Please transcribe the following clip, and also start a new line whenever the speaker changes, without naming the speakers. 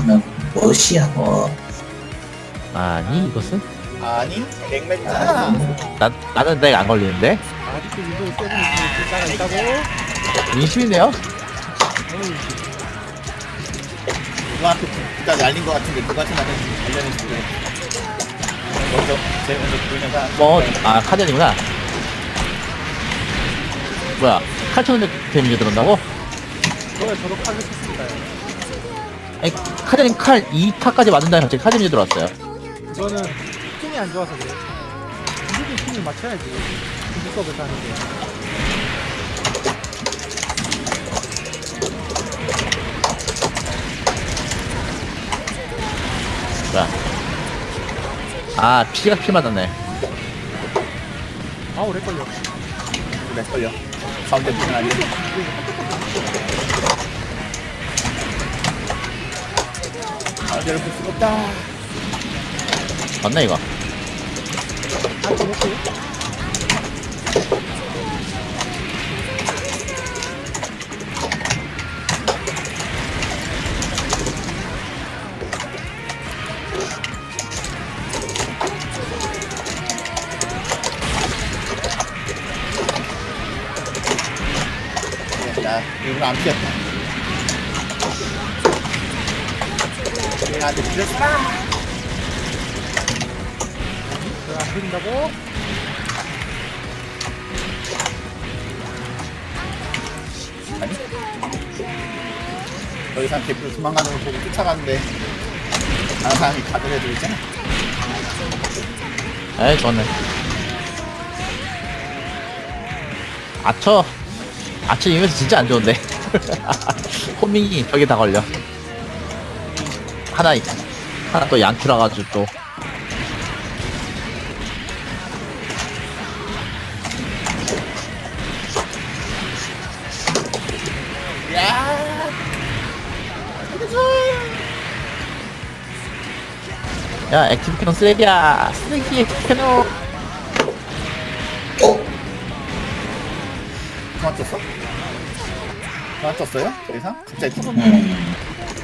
하면 무엇이야 뭐.
아니 이것은
아니 맥맥이잖아.
나는 내가 안 걸리는데
아직도 윈도우 7이 글자가 있다고?
민심이네요.
누구한테 진짜 날린 것 같은데 누구한테 날렸는지 모르겠어. 먼저 제일 먼저 보이는 사람.
카전이구나. 뭐야 칼 쳐는 데미지 들어온다고?
저에 저도 칼을 쳤습니다.
아니 카전님 칼 2타까지 맞은 다음에 갑자기 칼 데미지 들어왔어요.
이거는 힘이 안 좋아서 그래. 무조건 힘을 맞춰야지. 공수업에서 하는 게.
뭐야 피가 피 맞았네.
아 오래 걸려.
내 걸려. 가운데 무슨 안 돼. 가운데를 볼 수가 없다.
맞나 이거?
아 저렇게.
나 일부러 안 피했다. 나한테 피했구나.
저안 풀린다고?
아니? 더 이상 개뿔 도망가는 걸 보고 쫓아가는데 다른 사람이 가드를 해도 있잖아.
에이 좋네. 아처 이면서 진짜 안 좋은데. 호밍이 벽에 다 걸려. 하나 또 양키라 가지고 또.
야!
야 액티브 캐논 쓰레기야. 쓰레기 캐논.
그만 떴어? 그만 떴어요? 더 이상? 갑자기 떴어?